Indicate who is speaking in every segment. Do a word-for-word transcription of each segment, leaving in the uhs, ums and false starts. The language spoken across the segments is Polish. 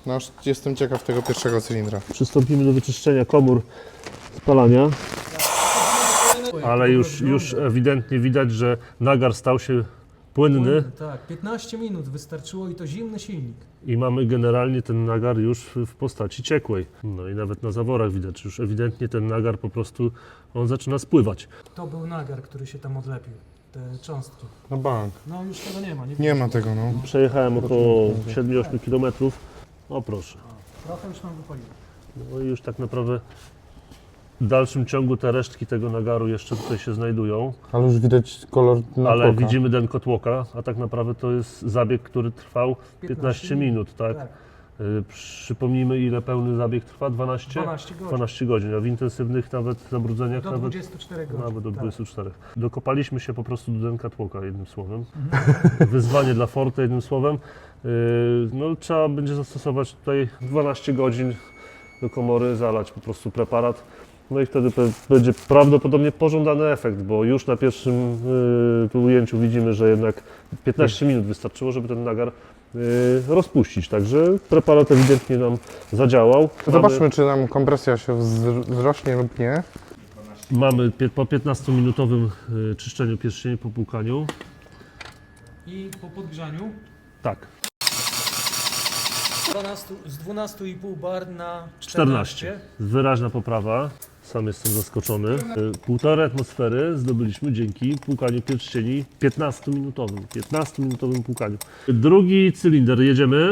Speaker 1: No już jestem ciekaw tego pierwszego cylindra.
Speaker 2: Przystąpimy do wyczyszczenia komór spalania. Ale już, już ewidentnie widać, że nagar stał się płynny
Speaker 3: Tak, piętnaście minut wystarczyło i to zimny silnik.
Speaker 2: i mamy generalnie ten nagar już w w postaci ciekłej. No i nawet na zaworach widać, już ewidentnie ten nagar po prostu, on zaczyna spływać.
Speaker 3: To był nagar, który się tam odlepił, te cząstki.
Speaker 1: No bank.
Speaker 3: No już tego nie ma. Nie,
Speaker 1: Nie ma tego, no.
Speaker 2: Przejechałem około siedem osiem kilometrów. O proszę.
Speaker 3: Trochę już nam wypaliło.
Speaker 2: No i już tak naprawdę w dalszym ciągu te resztki tego nagaru jeszcze tutaj się znajdują.
Speaker 1: Ale już widać kolor na
Speaker 2: Ale widzimy den kotłoka, a tak naprawdę to jest zabieg, który trwał piętnaście minut, tak?
Speaker 3: Tak.
Speaker 2: Y, Przypomnijmy, ile pełny zabieg trwa? dwanaście?
Speaker 3: dwanaście godzin.
Speaker 2: dwanaście godzin, a w intensywnych nawet zabrudzeniach
Speaker 3: Do
Speaker 2: nawet,
Speaker 3: dwudziestu czterech godzin.
Speaker 2: nawet do
Speaker 3: tak.
Speaker 2: dwudziestu czterech. Dokopaliśmy się po prostu do denka tłoka, jednym słowem. Wyzwanie dla Forte, jednym słowem. Y, No, trzeba będzie zastosować tutaj dwanaście godzin do komory, zalać po prostu preparat. No i wtedy pe- będzie prawdopodobnie pożądany efekt, bo już na pierwszym y, tu ujęciu widzimy, że jednak piętnaście minut wystarczyło, żeby ten nagar y, rozpuścić. Także preparat ewidentnie nam zadziałał.
Speaker 1: Zobaczmy, czy nam kompresja się wz- wzrośnie lub nie.
Speaker 2: Mamy pie- po piętnastominutowym y, czyszczeniu pierścieni po płukaniu.
Speaker 3: I po podgrzaniu
Speaker 2: Tak,
Speaker 3: dwanaście, z dwunastu i pół bar na
Speaker 2: czternaście.
Speaker 3: czternaście.
Speaker 2: Wyraźna poprawa. Sam jestem zaskoczony. Y, Półtorej atmosfery zdobyliśmy dzięki płukaniu pierścieni piętnastominutowym. piętnastominutowym płukaniu. Drugi cylinder, jedziemy.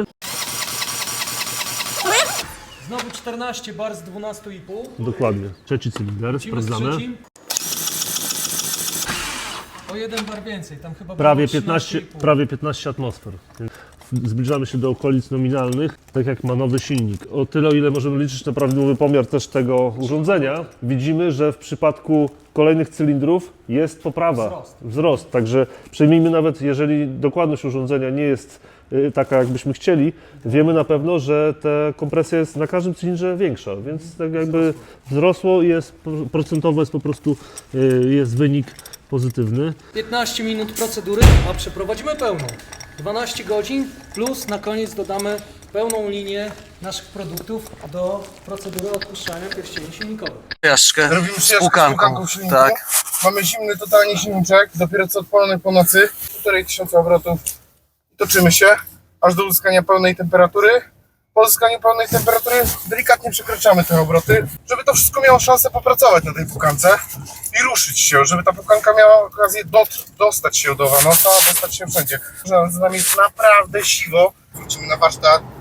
Speaker 3: Znowu czternaście bar z dwunastu i pół.
Speaker 2: Dokładnie. Trzeci cylinder,
Speaker 3: Lecimy z
Speaker 2: sprawdzamy.
Speaker 3: trzecim. O jeden bar więcej, tam chyba
Speaker 2: Prawie
Speaker 3: było trzynaście
Speaker 2: piętnaście,
Speaker 3: i pół.
Speaker 2: prawie piętnaście atmosfer. Więc zbliżamy się do okolic nominalnych, tak jak ma nowy silnik. O tyle, o ile możemy liczyć na prawidłowy pomiar też tego urządzenia, widzimy, że w przypadku kolejnych cylindrów jest poprawa,
Speaker 3: Wzrost.
Speaker 2: wzrost. Także przyjmijmy, nawet jeżeli dokładność urządzenia nie jest y, taka, jakbyśmy chcieli, wiemy na pewno, że ta kompresja jest na każdym cylindrze większa, więc tak jakby wzrosło i jest procentowo jest po prostu y, jest wynik pozytywny.
Speaker 3: piętnaście minut procedury, a przeprowadzimy pełną. dwanaście godzin plus na koniec dodamy pełną linię naszych produktów do procedury odpuszczania pierścieni silnikowych.
Speaker 4: Przejażdżkę
Speaker 5: Robimy
Speaker 4: z
Speaker 5: przyjaźń
Speaker 4: pukanką.
Speaker 5: z silniku.
Speaker 4: Tak.
Speaker 5: Mamy zimny totalnie silniczek, dopiero co odpalony po nocy, półtorej tysiąca obrotów. Toczymy się aż do uzyskania pełnej temperatury. Po uzyskaniu pełnej temperatury delikatnie przekraczamy te obroty, żeby to wszystko miało szansę popracować na tej pukance i ruszyć się, żeby ta pukanka miała okazję dot, dostać się do nosa, dostać się wszędzie. Że z nami jest naprawdę siwo. Wrócimy na warsztat,